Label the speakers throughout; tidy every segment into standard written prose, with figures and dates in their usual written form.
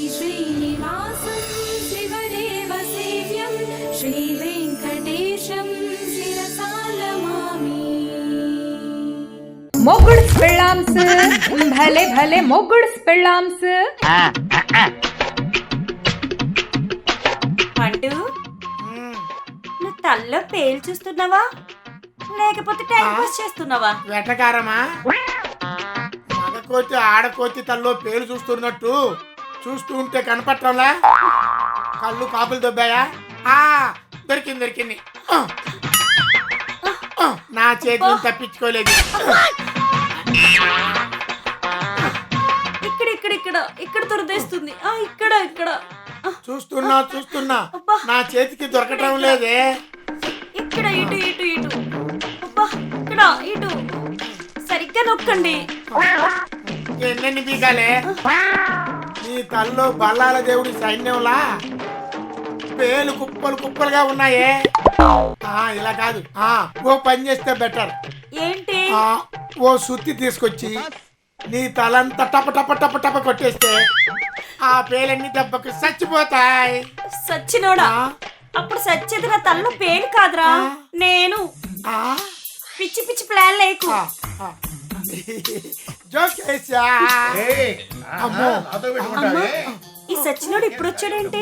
Speaker 1: శ్రీనివాసం శివదేవ సేవ్యం శ్రీ వెంకటేశం శిరసాలమామి.
Speaker 2: మొగుడ్స్ పెళ్ళాంస్ భలే భలే మొగుడ్స్ పెళ్ళాంస్.
Speaker 3: అంటూ నువ్వు తల్లో పేలు చూస్తున్నావా లేకపోతే టైం పాస్ చేస్తున్నావా?
Speaker 4: వెటకారమా? మగకోతి ఆడకోతి తల్లో పేరు చూస్తున్నట్టు చూస్తూ ఉంటే కనపట్టంలా? కళ్ళు కాపులు దొబ్బాయా? దొరికింది దొరికింది. నా చేతిని తప్పించుకోలేదు.
Speaker 3: ఇక్కడ ఇక్కడ ఇక్కడ ఇక్కడ దురదేస్తుంది. ఇక్కడ ఇక్కడ
Speaker 4: చూస్తున్నా చూస్తున్నా నా చేతికి దొరకటం లేదే.
Speaker 3: ఇక్కడ ఇటు ఇటు ఇటు అబ్బా ఇక్కడ ఇటు సరిగ్గా నొక్కండి.
Speaker 4: ఎన్నెన్ని బీగాలే? నీ తల్లో బల్లాల దేవుడి సైన్యంలా పేలు కుప్పలు కుప్పలుగా ఉన్నాయే. ఇలా కాదు, ఓ పని చేస్తే బెటర్.
Speaker 3: ఏంటి?
Speaker 4: ఓ సుత్తి తీసుకొచ్చి నీ తలంతా టప టప టప టప కొట్టేస్తే ఆ పేలన్నీ దెబ్బకు చచ్చిపోతాయి.
Speaker 3: సచ్చినోడా? అప్పుడు సచ్చేది నా తల్లో పేలు కాదురా, నేను. పిచ్చి పిచ్చి ప్లాన్ లేకు. ఈ సచ్చినోడు ఇప్పుడు వచ్చాడేంటి?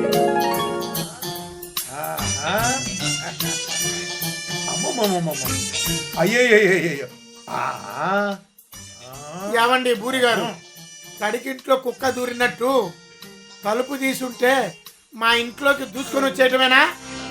Speaker 5: అయ్యయ్యో
Speaker 4: ఏమండి బూరి గారు, తడికింట్లో కుక్క దూరినట్టు తలుపు తీసుంటే మా ఇంట్లోకి దూసుకొని వచ్చేయటమేనా?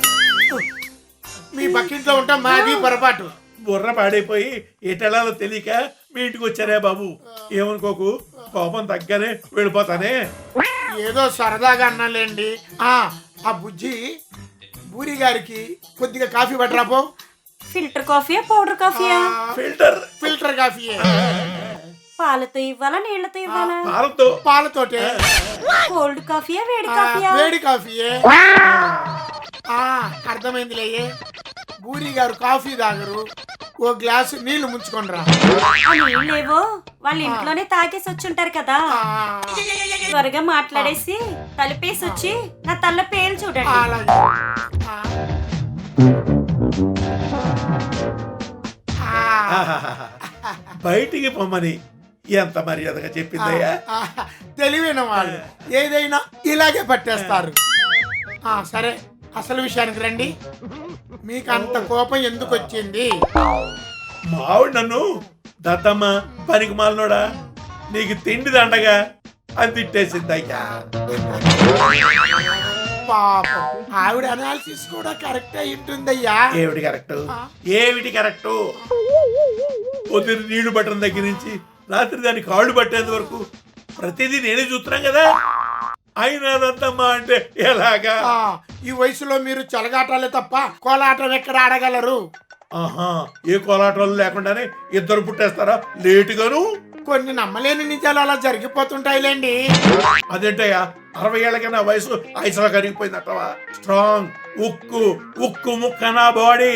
Speaker 4: మీ పక్కింట్లో ఉంటాం, మాది పొరపాటు.
Speaker 5: బుర్ర పాడైపోయి ఎటెలాలో తెలియక మీ ఇంటికి వచ్చారే బాబు. ఏమనుకోకు, కోపం తగ్గనే వెళ్ళిపోతానే.
Speaker 4: ఏదో సరదాగా అన్నాలేండి. ఆ బుజ్జి బూరి గారికి కొద్దిగా కాఫీ పట్టరాపో.
Speaker 3: ఫిల్టర్ కాఫీయా పౌడర్ కాఫీయా?
Speaker 4: ఫిల్టర్ కాఫీయే.
Speaker 3: పాలతో ఇవ్వాలా నీళ్లతో ఇవ్వాలా?
Speaker 4: పాలతోటే.
Speaker 3: కోల్డ్ కాఫీయా వేడి కాఫీయా?
Speaker 4: వేడి కాఫీయే. అర్థమైందిలే. బూరి గారు కాఫీ తాగరు, ఓ గ్లాసు నీళ్లు ముంచుకొనిరా.
Speaker 3: నీళ్ళేవో వాళ్ళ ఇంట్లోనే తాగేసి వచ్చుంటారు కదా. త్వరగా మాట్లాడేసి తలుపేసి వచ్చి నా తల్ల పేరు చూడండి.
Speaker 4: అలాగే.
Speaker 5: బయటికి పొమ్మని ఎంత మర్యాదగా చెప్పిందయ్యా.
Speaker 4: తెలివైన వాళ్ళు ఏదైనా ఇలాగే పట్టేస్తారు. సరే, అసలు విషయానికి రండి. మీకు అంత కోపం ఎందుకు వచ్చింది?
Speaker 5: మావిడ నన్ను దత్తమ్మ పనికి మాలనోడా, నీకు తిండి దండగా అని తిట్టేసింది అయ్యా.
Speaker 4: పాపం, ఆవిడ అనాలిసిస్ కూడా కరెక్ట్ అయి ఉంటుందయ్యా.
Speaker 5: ఏమిటి కరెక్టు? పొద్దున్న నీళ్లు పట్టడం దగ్గర నుంచి రాత్రి దాని కాళ్ళు పట్టేంత వరకు ప్రతిదీ నేనే చూస్తున్నాం కదా. అయినా దత్తమ్మ అంటే ఎలాగా?
Speaker 4: ఈ వయసులో మీరు చలగాటాలే తప్ప కోలాటం ఎక్కడ ఆడగలరు?
Speaker 5: ఏ కోలాటాలు లేకుండానే ఇద్దరు పుట్టేస్తారా లేటుగాను?
Speaker 4: కొన్ని నమ్మలేని నిజాలు అలా జరిగిపోతుంటాయిలేండి.
Speaker 5: అదేంటయ్యా, 60 ఏళ్ళకైనా వయసు ఐసలా కరిగిపోయిందటవా? స్ట్రాంగ్ ఉక్కు ముక్క నా బాడీ.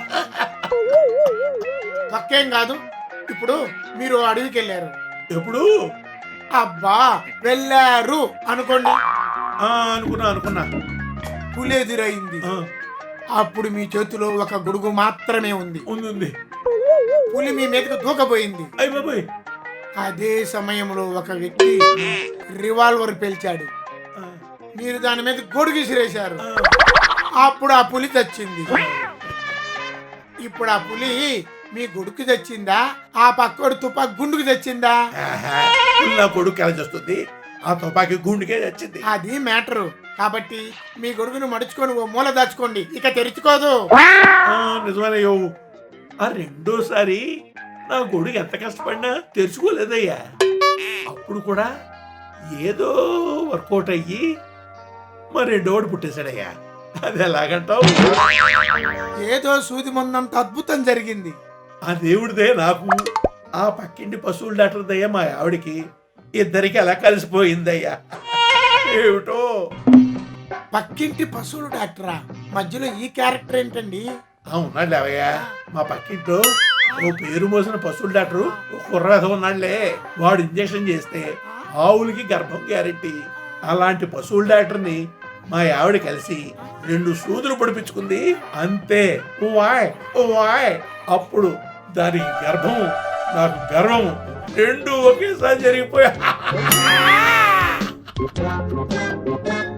Speaker 4: పక్కేం కాదు. ఇప్పుడు మీరు అడవికి వెళ్ళారు.
Speaker 5: ఎప్పుడు?
Speaker 4: అబ్బా, వెళ్ళారు అనుకోండి.
Speaker 5: అనుకున్నా.
Speaker 4: పులి ఎదురైంది. అప్పుడు మీ చేతిలో ఒక గొడుగు మాత్రమే ఉంది. పులి మీ మీదకు దూకపోయింది.
Speaker 5: అయిపోయి
Speaker 4: అదే సమయంలో ఒక వ్యక్తి రివాల్వర్ పేల్చాడు. మీరు దాని మీద గొడుగు విసిరేశారు. అప్పుడు ఆ పులి చచ్చింది. ఇప్పుడు ఆ పులి మీ గొడుగు తెచ్చిందా, ఆ పక్కోడు తుపాకి గుండుకు తెచ్చిందా?
Speaker 5: నా కొడుకు కలిసి వస్తుంది, ఆ తుపాకి గుండుకే తెచ్చింది.
Speaker 4: అది మ్యాటరు. కాబట్టి మీ గొడుగును మడుచుకొని ఓ మూల దాచుకోండి, ఇక తెరుచుకోదు.
Speaker 5: నిజమేనయ్యో. ఆ రెండోసారి నా గొడుగు ఎంత కష్టపడినా తెరుచుకోలేదయ్యా. అప్పుడు కూడా ఏదో వర్కౌట్ అయ్యి మరి రెండోడు పుట్టేశాడయ్యా. అది ఎలాగంటావు?
Speaker 4: ఏదో సూది మందంత అద్భుతం జరిగింది.
Speaker 5: ఆ దేవుడిదే నాకు, ఆ పక్కింటి పశువుల డాక్టర్ దయ్యా మా ఆవిడికి, ఇద్దరికి అలా కలిసిపోయిందయ్యా. ఏమిటో.
Speaker 4: పక్కింటి పశువుల డాక్టరా? మధ్యలో ఈ క్యారెక్టర్ ఏంటండి?
Speaker 5: ఉన్నాడు లేవయ్యా, మా పక్కింట్లో ఓ పేరు మోసిన పశువుల డాక్టరు కుర్రవేధ ఉన్నాడులే. వాడు ఇంజక్షన్ చేస్తే ఆవులకి గర్భం గ్యారెంటీ. అలాంటి పశువుల డాక్టర్ని మా ఆవిడ కలిసి 2 సూదులు పొడిపించుకుంది. అంతే వాయ్ వాయ్. అప్పుడు దాని గర్భం నాకు గర్వం 2 ఒకేసారి జరిగిపోయా.